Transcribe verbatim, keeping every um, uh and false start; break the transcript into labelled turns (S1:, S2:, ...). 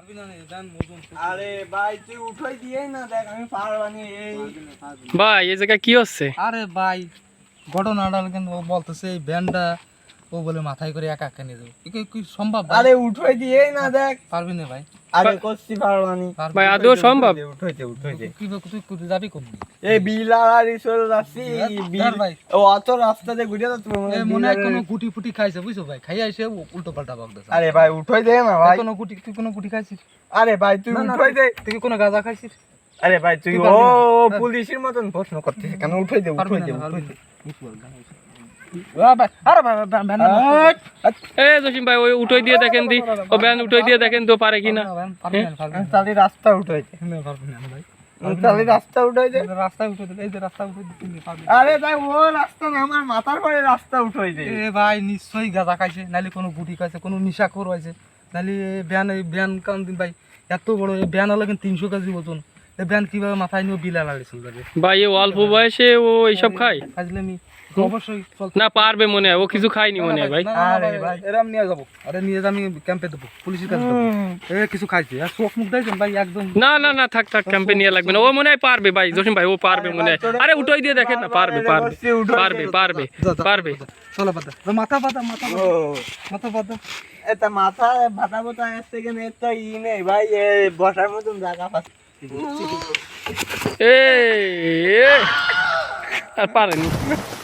S1: আরে ভাই তুই উঠাই দিয়ে না দেখ আমি পারবানি এই
S2: ভাই এই জায়গা কি হচ্ছে?
S3: আরে ভাই ঘটনাটা কিন্তু ও বলতেছে এই ব্যান্ডটা ও বলে মাথায় করে একা একা নিয়ে যাবো কি কি সম্ভব ভাই?
S1: আরে উঠাই দিয়ে না দেখ
S3: পারবি না ভাই?
S1: আরে করছি পারবানি
S2: ভাই আদৌ সম্ভব?
S1: উঠাইতে উঠাইতে
S3: কি তুই তুই যাবি কমনি
S1: এই বিলারি চলে যাচ্ছি
S3: ধর ভাই।
S1: ও অত রাস্তাতে ঘুরে যাচ্ছে
S3: এই মনে হয় কোনো গুটি ফুটি খাইছে বুঝছো ভাই খাইয়া এসে উল্টো পাল্টা বকতেছে।
S1: আরে ভাই উঠাই দে না ভাই
S3: কোনো গুটি তুই কোনো গুটি খাইছিস?
S1: আরে ভাই তুই
S3: না, না,
S1: উঠাই দে
S3: তুই কি কোনো গাঁজা খাইছিস?
S1: আরে ভাই তুই
S3: তুই
S1: ও
S3: পারবি না।
S1: পুলিশের মতন প্রশ্ন করতেছিস কেন উঠাই দে
S3: পারবি
S1: উঠাই
S3: না,
S1: দে
S3: পারবি
S1: উঠাই
S3: না।
S1: দে
S3: আ ভাই আরে ভাই ভাই ভ্যান
S2: এ জসিম ভাই ওই উঠোই দিয়ে দেখেন দি, ও ব্যান উঠোই দিয়ে দেখেন তো পারে কিনা।
S3: পারবি না পারবি না
S1: তাহলে রাস্তা উঠাই দে
S3: না পারবি না ভাই
S1: তাহলে রাস্তা উঠাই দে
S3: রাস্তায় উঠে দিলে এই যে রাস্তা উঠে দিলে পারবি না।
S1: আরে ভাই ও রাস্তা না আমার মাথার পরে রাস্তা উঠাই দে
S3: এ ভাই নিশ্চয়ই গাঁজা খাইছে নাহলে কোনো গুটি খাইছে কোনো নিশাখোর হয়েছে নাহলে এই ব্যান এই ব্যান কারণ দিন ভাই এত বড় এই ব্যান হলো কিন্তু তিনশো কেজি ওজন এই ব্যান কিভাবে মাথায় নিয়ে বিলা লাগে চলে যাবে
S2: ভাই এ অল্প বয়সে ও এইসব খায়?
S3: আসলে আমি অবশ্যই চলতে
S2: না পারবে মনে হয়, ও কিছু খায়নি মনে হয় ভাই।
S3: না, না, না, ভাই, ভাই, এরম নিয়ে যাবো আরে নিয়ে যা আমি ক্যাম্পে দেবো পুলিশের কাছে দেবো এ কিছু খাইছে আর চোখ মুখ দেখছেন ভাই একদম
S2: না না না থাক থাক, ক্যাম্পে নিয়ে লাগবে না, ও মনে হয় পারবে ভাই, জসিম ভাই ও পারবে মনে হয়। আরে উঠোই দিয়ে দেখেন না, পারবে পারবে পারবে পারবে পারবে।
S3: চলো পাতা মাথা পাতা মাথা
S1: ও
S3: মাথা পাতা
S1: এটা মাথা ভাতা ভাতা আসছে কেন এত ই নেই ভাই এ বসার মতন জায়গা পাচ্ছে
S2: এ এ, আর পারেনি।